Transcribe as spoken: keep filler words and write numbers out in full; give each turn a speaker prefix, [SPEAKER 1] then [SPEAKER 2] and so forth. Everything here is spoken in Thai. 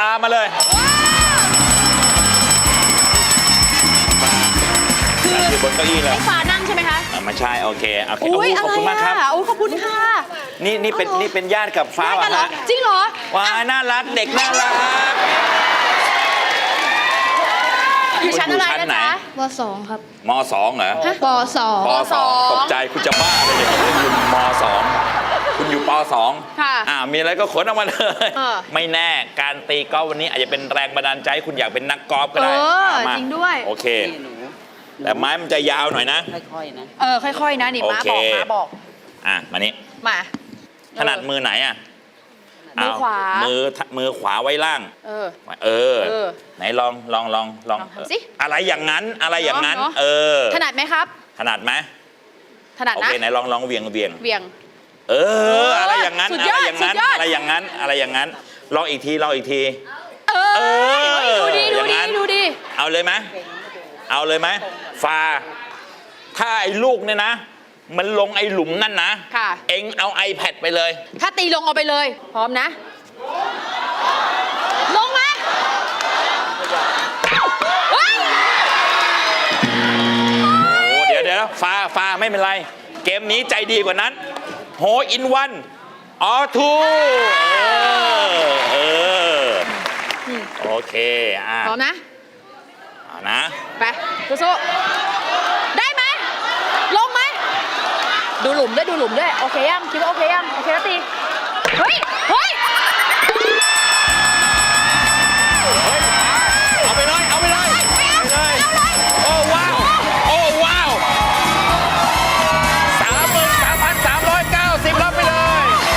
[SPEAKER 1] ามาเลยคืออยู่บนเก้าอี้เลย
[SPEAKER 2] ฟ้านั่งใช่ไหมคะ
[SPEAKER 1] ไม่ใช่โอเคโอเค
[SPEAKER 2] อุ้ย
[SPEAKER 1] ขอบคุณมากครับ
[SPEAKER 2] โอ้ขอบคุณค่ะ
[SPEAKER 1] นี่นี่เป็นนี่เป็นญาติกับฟ้าเหรอ
[SPEAKER 2] จริงเหรอ
[SPEAKER 1] ว้าน่ารักเด็กน่ารัก
[SPEAKER 2] อยู่ชั้นอะไรนะจ๊ะ
[SPEAKER 3] ปสองครับ
[SPEAKER 1] มสองเหรอ
[SPEAKER 3] ปสอง
[SPEAKER 1] ปสองตกใจคุณจะบ้าเลยเนี่ยคุณอยู่มสองคุณอยู่ปสอง
[SPEAKER 2] ค่ะ
[SPEAKER 1] อ่ามีอะไรก็ขนออกมาเลยไม่แน่การตีกอล์ฟวันนี้อาจจะเป็นแรงบันดาลใจคุณอยากเป็นนักกอล์ฟก็ได้
[SPEAKER 2] จริงด้วย
[SPEAKER 1] โอเคแต่ไม้มันจะยาวหน่อยนะ
[SPEAKER 4] ค่อยๆนะ
[SPEAKER 2] เออค่อยๆนะนี่ม้าบอกม้าบอก
[SPEAKER 1] อ่ะมานี่
[SPEAKER 2] มา
[SPEAKER 1] ถนัดมือไหนอ่ะ
[SPEAKER 2] มือขวา
[SPEAKER 1] มือมือขวาไว้ล่าง
[SPEAKER 2] เออ
[SPEAKER 1] เออไหนลองลองลองลอง
[SPEAKER 2] สิ
[SPEAKER 1] อะไรอย่างนั้นอะไรอย่างนั้นเออ
[SPEAKER 2] ถนัดไหมครับ
[SPEAKER 1] ถนัดไหม
[SPEAKER 2] ถนัดนะ
[SPEAKER 1] โอเคไหนลองลองเวียงเวียง
[SPEAKER 2] เวียง
[SPEAKER 1] เอออะไรอย่างนั้นอะไรอย่างนั้นอะไรอย่างนั้นอะไรอย่างนั้นลองอีกทีลองอีกที
[SPEAKER 2] เออดูดิดูดิดูดิ
[SPEAKER 1] เอาเลยไหมเอาเลยไหมฟาถ้าไอ้ลูกเนี่ยนะมันลงไอ้หลุมนั่นนะเอ็งเอา iPad ไปเลย
[SPEAKER 2] ถ้าตีลงเอาไปเลยพร้อมนะลงไหม
[SPEAKER 1] โอ้เดี๋ยวเดี๋ยวฟาฟาไม่เป็นไรเกมนี้ใจดีกว่านั้นโฮอินวันออทูเออเออโอเคอ่ะ
[SPEAKER 2] พร้อมนะ
[SPEAKER 1] เอานะ
[SPEAKER 2] ไปสู้ๆได้ไหมลงไหมดูหลุมด้วยดูหลุมด้วยโอเคยังคิดว่าโอเคยังโอเคแล้วตีเฮ้ย